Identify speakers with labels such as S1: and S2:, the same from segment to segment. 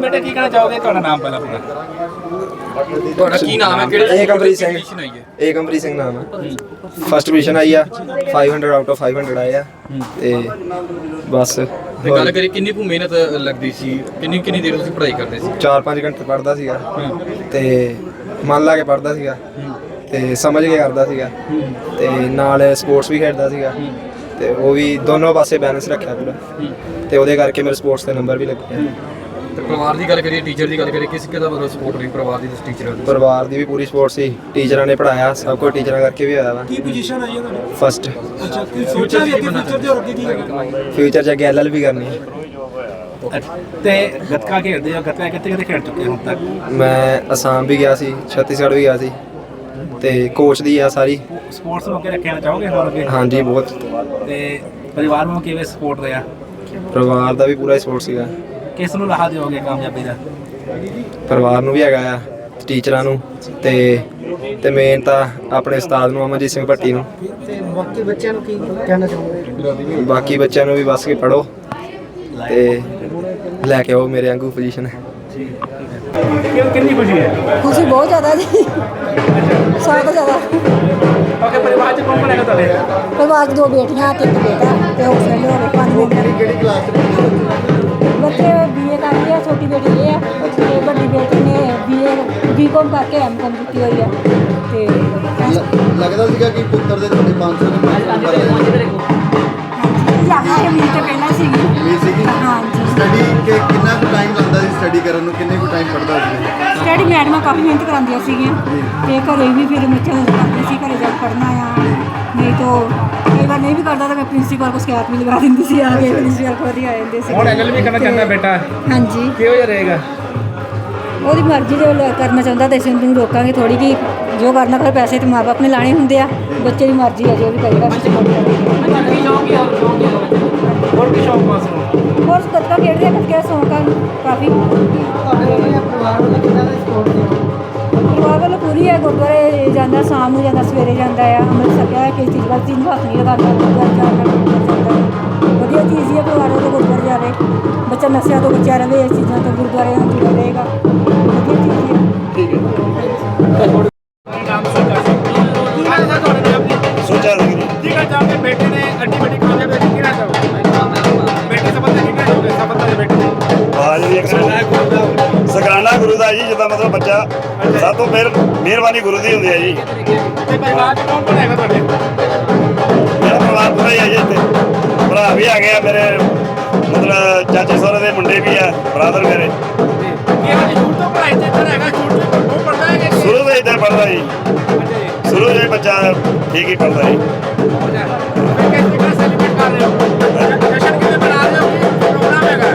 S1: ਬੇਟਾ ਕੀ ਕਹਿਣਾ ਚਾਹੋਗੇ? ਤੁਹਾਡਾ ਨਾਮ ਪਹਿਲਾਂ ਪੂਰਾ।
S2: ਤੁਹਾਡਾ ਕੀ ਨਾਮ ਹੈ? ਕਿਹੜੇ
S3: ਏਕਮਪ੍ਰੀਤ ਸਿੰਘ।
S2: ਪੋਜੀਸ਼ਨ ਆਈ ਹੈ?
S3: ਏਕਮਪ੍ਰੀਤ ਸਿੰਘ ਨਾਮ ਹੈ। ਫਸਟ ਪੋਜੀਸ਼ਨ ਆਈ ਆ, 500 ਆਊਟ ਆਫ 500 ਆਏ ਆ ਤੇ ਬਸ।
S2: ਤੇ ਗੱਲ ਕਰੀ ਕਿੰਨੀ ਕੁ ਮਿਹਨਤ ਲੱਗਦੀ ਸੀ, ਕਿੰਨੀ ਦੇਰ ਤੁਸੀਂ ਪੜ੍ਹਾਈ ਕਰਦੇ ਸੀ?
S3: 4-5 ਘੰਟੇ ਪੜ੍ਹਦਾ ਸੀਗਾ ਤੇ ਮਨ ਲਾ ਕੇ ਪੜ੍ਹਦਾ ਸੀਗਾ ਤੇ ਸਮਝ ਕੇ ਕਰਦਾ ਸੀਗਾ ਤੇ ਨਾਲ ਸਪੋਰਟਸ ਵੀ ਖੇਡਦਾ ਸੀਗਾ ਤੇ ਉਹ ਵੀ ਦੋਨੋਂ ਪਾਸੇ ਬੈਲੈਂਸ ਰੱਖਿਆ ਪੂਰਾ ਤੇ ਉਹਦੇ ਕਰਕੇ ਮੇਰੇ ਸਪੋਰਟਸ ਦੇ ਨੰਬਰ ਵੀ ਲੱਗੇ।
S2: ਤੇ ਪਰਿਵਾਰ ਦੀ ਗੱਲ ਕਰੀਏ, ਟੀਚਰ ਦੀ ਗੱਲ ਕਰੀਏ, ਕਿਸ ਕਿਹਦਾ ਮਤਲਬ ਸਪੋਰਟ ਰਹੀ ਪਰਿਵਾਰ ਦੀ? ਟੀਚਰ
S3: ਪਰਿਵਾਰ ਦੀ ਵੀ ਪੂਰੀ ਸਪੋਰਟ ਸੀ, ਟੀਚਰਾਂ ਨੇ ਪੜ੍ਹਾਇਆ, ਸਭ ਕੁਝ ਟੀਚਰਾਂ ਕਰਕੇ ਵੀ ਹੋਇਆ ਵਾ।
S4: ਕੀ ਪੋਜੀਸ਼ਨ ਆਈ ਹੈ ਤੁਹਾਡੀ?
S3: ਫਸਟ।
S4: ਅੱਛਾ, ਕੀ ਸੋਚਿਆ ਵੀ ਅੱਗੇ ਫਿਊਚਰ ਦੇ ਹੋਰ ਅੱਗੇ ਕੀ ਕਰਨਾ?
S3: ਫਿਊਚਰ 'ਚ ਅੱਗੇ LLB ਕਰਨੀ ਹੈ।
S1: ਤੇ ਗੱਤਕਾ ਖੇਡਦੇ ਹੋ? ਗੱਤਕਾ ਕਿੱਥੇ ਖੇਡ ਚੁੱਕੇ ਹੋ ਹੁਣ ਤੱਕ?
S3: ਮੈਂ ਅਸਾਮ ਵੀ ਗਿਆ ਸੀ, ਛੱਤੀਸਗੜ੍ਹ ਵੀ ਗਿਆ ਸੀ ਤੇ ਕੋਚ ਦੀ ਆ ਸਾਰੀ।
S1: ਸਪੋਰਟਸ ਨੂੰ ਅੱਗੇ ਰੱਖਣਾ ਚਾਹੋਗੇ ਹੋਰ ਅੱਗੇ?
S3: ਹਾਂਜੀ ਬਹੁਤ।
S1: ਤੇ ਪਰਿਵਾਰ ਨੂੰ ਕਿਵੇਂ ਸਪੋਰਟ ਰਿਹਾ?
S3: ਪਰਿਵਾਰ ਦਾ ਵੀ ਪੂਰਾ ਸਪੋਰਟ ਸੀਗਾ।
S1: ਕਿਸ ਨੂੰ ਲਾਹਾ ਦਿਓਗੇ ਕਾਮਯਾਬੀ ਦਾ?
S3: ਪਰਿਵਾਰ ਨੂੰ ਵੀ ਹੈਗਾ ਆ, ਟੀਚਰਾਂ ਨੂੰ ਤੇ ਮੇਨ ਤਾਂ ਆਪਣੇ ਉਸਤਾਦ ਨੂੰ, ਅਮਨਜੀਤ ਸਿੰਘ ਭੱਟੀ ਨੂੰ।
S4: ਤੇ ਬਾਕੀ ਬੱਚਿਆਂ ਨੂੰ ਕੀ ਕਹਿਣਾ ਚਾਹੋਗੇ?
S3: ਬਾਕੀ ਬੱਚਿਆਂ ਨੂੰ ਵੀ ਬਸ ਕੇ ਪੜ੍ਹੋ ਤੇ ਲੈ ਕੇ ਆਓ ਮੇਰੇ ਵਾਂਗੂ ਪੋਜੀਸ਼ਨ।
S1: ਕਿੰਨੀ ਖੁਸ਼ੀ ਹੈ?
S5: ਖੁਸ਼ੀ ਬਹੁਤ ਜ਼ਿਆਦਾ ਜੀ, ਸਾਰਾ ਤੋਂ ਜ਼ਿਆਦਾ।
S1: ਓਕੇ, ਪਰਿਵਾਰ 'ਚ ਕੌਣ ਹੈਗਾ ਤੁਹਾਡੇ?
S5: ਪਰਿਵਾਰ 'ਚ 2 ਬੇਟੀਆਂ ਤੇ 1 ਬੇਟਾ ਤੇ ਹੋਰ ਫਰੈਂਡ ਹੋ ਗਏ 5 ਮੈਂਬਰ।
S4: ਕਿਹੜੀ ਕਲਾਸ ਦੇ
S5: ਬੱਚੇ BA ਕਰ ਰਹੀ ਹੈ, ਛੋਟੀ ਬੇਟੀ ਇਹ ਹੈ ਤੇ ਵੱਡੀ ਬੇਟੀ ਨੇ BCom ਕਰਕੇ MCom ਕੀਤੀ ਹੋਈ ਹੈ ਤੇ
S4: ਲੱਗਦਾ ਸੀਗਾ ਕਿ ਪੁੱਤਰ ਦੇ ਤੁਹਾਡੇ 500
S5: ਜ਼ਿਆਦਾ ਇਹ ਮੀਲ ਤੇ ਪਹਿਲਾਂ ਸੀਗੀ।
S4: ਸੀਗੀ
S5: ਹਾਂਜੀ,
S4: ਸਟੱਡੀ ਕਿੰਨਾ ਕੁ ਟਾਈਮ ਲੱਗਦਾ ਸੀ ਸਟੱਡੀ ਕਰਨ ਨੂੰ? ਕਿੰਨੇ ਕੁ ਟਾਈਮ ਪੜ੍ਹਦਾ ਸੀ?
S5: ਸਟੱਡੀ ਮੈਡਮਾਂ ਕਾਫੀ ਮਿਹਨਤ ਕਰਾਉਂਦੀਆਂ ਸੀਗੀਆਂ ਤੇ ਘਰੇ ਵੀ ਫਿਰ ਬੱਚਿਆਂ ਨੂੰ ਕਰਦੇ ਸੀ, ਘਰੇ ਜਾ ਕੇ ਪੜ੍ਹਨਾ ਆ, ਨਹੀਂ ਤਾਂ ਕਈ ਵਾਰ ਨਹੀਂ ਵੀ ਕਰਦਾ ਤਾਂ ਮੈਂ ਪ੍ਰਿੰਸੀਪਲ ਕੋਲ ਸ਼ਿਕਾਇਤ ਵੀ ਲਗਾ ਦਿੰਦੀ ਸੀ, ਆ ਕੇ ਪ੍ਰਿੰਸੀਪਲ ਕੋਲ ਹੀ ਆ ਜਾਂਦੇ ਸੀ।
S1: ਹੁਣ LLB ਕਰਨਾ ਚਾਹੁੰਦਾ ਬੇਟਾ?
S5: ਹਾਂਜੀ,
S1: ਕਿਹੋ ਜਿਹਾ ਰਹੇਗਾ?
S5: ਉਹਦੀ ਮਰਜ਼ੀ ਜੋ ਕਰਨਾ ਚਾਹੁੰਦਾ ਤੇ ਅਸੀਂ ਉਹਨੂੰ ਰੋਕਾਂਗੇ ਥੋੜੀ ਕਿ ਜੋ ਕਰਨਾ ਫਿਰ ਪੈਸੇ ਤੇ ਮਾਂ ਬਾਪ ਨੇ ਲਾਣੇ ਹੁੰਦੇ ਆ, ਬੱਚੇ ਦੀ ਮਰਜ਼ੀ ਹੈ ਜੋ ਵੀ ਕਰੇਗਾ।
S1: ਹੋਰ ਕੀ ਸ਼ੌਕ ਪਾਸ ਨੂੰ?
S5: ਹੋਰ ਗੱਤਕਾ ਖੇਡਦੇ ਆ, ਗੱਤਕੇ ਦਾ ਸ਼ੌਂਕ ਆ ਕਾਫੀ। ਪਰਿਵਾਰ ਵੱਲੋਂ ਪੂਰੀ ਹੈ, ਗੁਰਦੁਆਰੇ ਜਾਂਦਾ, ਸ਼ਾਮ ਨੂੰ ਜਾਂਦਾ, ਸਵੇਰੇ ਜਾਂਦਾ ਆ, ਅੰਮ੍ਰਿਤ ਛਕਿਆ ਕਿਸੇ ਚੀਜ਼ ਵੱਲ ਚੀਜ਼ ਨੂੰ ਹੱਥ ਨਹੀਂ ਲਗਾਉਂਦਾ, ਗੁਰਦੁਆਰੇ ਜਾਂਦਾ। ਵਧੀਆ ਚੀਜ਼ ਹੀ ਹੈ, ਪਰਿਵਾਰ ਵੱਲੋਂ ਗੁਰਦੁਆਰੇ ਜਾਵੇ, ਬੱਚਾ ਨਸ਼ਿਆਂ ਤੋਂ ਬਚਿਆ ਰਹੇ, ਇਸ ਚੀਜ਼ਾਂ ਤੋਂ ਗੁਰਦੁਆਰੇ ਨਾਲ ਜੁੜਿਆ ਰਹੇਗਾ, ਵਧੀਆ ਚੀਜ਼ ਹੈ।
S1: ਠੀਕ ਹੈ। ਨਾਮ ਸਰਕਾਰ ਸਿੰਘ ਕੀ ਹਾਲ ਹੈ ਤੁਹਾਡੇ ਨਾਮ ਦੀ?
S3: ਸੋਚਿਆ ਸੀ
S1: ਕੀ ਕਹਿਣਾ ਚਾਹੋਗੇ ਬੇਟੇ ਨੇ ਅੱਡੀ ਵੱਡੀ ਕਾਮਯਾਬੀ ਕੀ ਕਹਿਣਾ ਚਾਹੋਗੇ? ਬੇਟੇ ਸਫਲਤਾ ਕੀ ਕਹਿਣਾ ਚਾਹੋਗੇ? ਸਫਲਤਾ ਦੇ ਬੇਟੇ
S3: ਬਾਜ ਵੀ ਸਗਰਾਨਾ ਗੁਰੂ ਦਾ ਜੀ, ਜਿੱਦਾਂ ਮਤਲਬ ਬੱਚਾ ਸਭ ਤੋਂ ਮਿਹਰਬਾਨੀ ਗੁਰੂ ਦੀ ਹੁੰਦੀ ਹੈ ਜੀ।
S1: ਤੇ ਪਰਿਵਾਰ 'ਚ ਕੌਣ ਹੈਗਾ ਤੁਹਾਡੇ?
S3: ਮੇਰਾ ਪਰਿਵਾਰ ਪੂਰਾ ਹੀ ਹੈ ਜੀ, ਇੱਥੇ ਭਰਾ ਵੀ ਆ ਗਏ ਆ ਮੇਰੇ, ਮਤਲਬ ਚਾਚੇ ਸਹੁਰੇ ਦੇ ਮੁੰਡੇ ਵੀ ਆ, ਬਰਾਦਰ ਮੇਰੇ।
S1: ਕੀ ਹਾਲ ਸ਼ੁਰੂ ਤੋਂ ਪੜ੍ਹਾਈ ਤੇ ਇੱਧਰ ਹੈਗਾ? ਸ਼ੁਰੂ ਤੋਂ ਉਹ ਪੜ੍ਹਦਾ ਹੈ ਕਿ
S3: ਸ਼ੁਰੂ ਤੋਂ ਇੱਧਰ ਪੜ੍ਹਦਾ ਜੀ, ਸ਼ੁਰੂ ਤੋਂ ਹੀ ਬੱਚਾ ਠੀਕ ਹੀ ਪੜ੍ਹਦਾ ਜੀ।
S1: ਕਿਸ ਤਰ੍ਹਾਂ ਸੈਲੀਬ੍ਰੇਟ ਕਰ ਰਹੇ ਹੋ? ਜਸ਼ਨ ਕਿਵੇਂ ਮਨਾ ਰਹੇ ਹੋ? ਕੀ ਪ੍ਰੋਗਰਾਮ ਹੈਗਾ?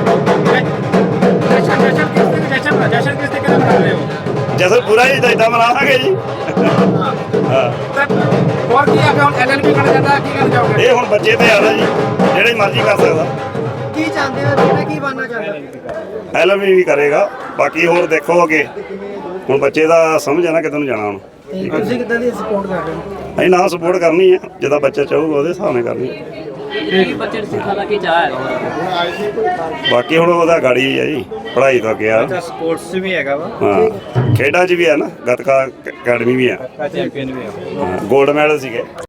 S1: ਜਸ਼ਨ ਕਿਸ ਤਰੀਕੇ ਨਾਲ ਮਨਾ ਰਹੇ ਹੋ?
S3: ਜਸ਼ਨ ਪੂਰਾ ਹੀ ਇਦਾਂ ਮਨਾਵਾਂਗੇ ਜੀ। ਹਾਂ,
S1: ਹੋਰ ਕੀ ਆ ਹੁਣ? LLB ਕਰਨਾ ਚਾਹੁੰਦਾ, ਕੀ ਕਰਨਾ ਚਾਹੋਗੇ?
S3: ਇਹ ਹੁਣ ਬੱਚੇ ਤੇ ਆਦਾ ਜੀ, ਜਿਹੜੇ ਮਰਜ਼ੀ ਕਰ ਸਕਦਾ।
S4: ਕੀ ਚਾਹੁੰਦੇ ਹੋ ਬੇਟਾ, ਕੀ ਬਣਨਾ ਚਾਹੁੰਦਾ?
S3: LLB ਵੀ ਕਰੇਗਾ, ਬਾਕੀ ਹੋਰ ਦੇਖੋ ਅੱਗੇ, ਹੁਣ ਬੱਚੇ ਦਾ ਸਮਝ ਆ ਨਾ ਕਿੱਧਰ ਨੂੰ ਜਾਣਾ ਹੁਣ।
S4: ਤੁਸੀਂ ਕਿੱਦਾਂ ਦੀ ਸਪੋਰਟ ਕਰ ਰਹੇ ਹੋ?
S3: ਅਸੀਂ ਨਾ ਸਪੋਰਟ ਕਰਨੀ ਹੈ, ਜਿੱਦਾਂ ਬੱਚਾ ਚਾਹੂਗਾ ਉਹਦੇ ਹਿਸਾਬ ਨਾਲ ਕਰਨੀ ਹੈ।
S6: ਬੱਚੇ ਨੂੰ ਸਿੱਖਣ ਦਾ ਕੀ ਚਾਹ ਹੈ?
S3: ਬਾਕੀ ਹੁਣ ਉਹਦਾ ਗਾੜੀ ਹੈ ਜੀ, ਪੜ੍ਹਾਈ ਤੋਂ ਅੱਗੇ ਆ।
S2: ਸਪੋਰਟਸ ਵੀ ਹੈਗਾ ਵਾ,
S3: ਹਾਂ, ਖੇਡਾਂ 'ਚ ਵੀ ਹੈ ਨਾ, ਗੱਤਕਾ ਅਕੈਡਮੀ ਵੀ ਆ,
S2: ਚੈਂਪੀਅਨ ਵੀ ਆ।
S3: ਗੋਲਡ ਮੈਡਲ ਸੀਗੇ।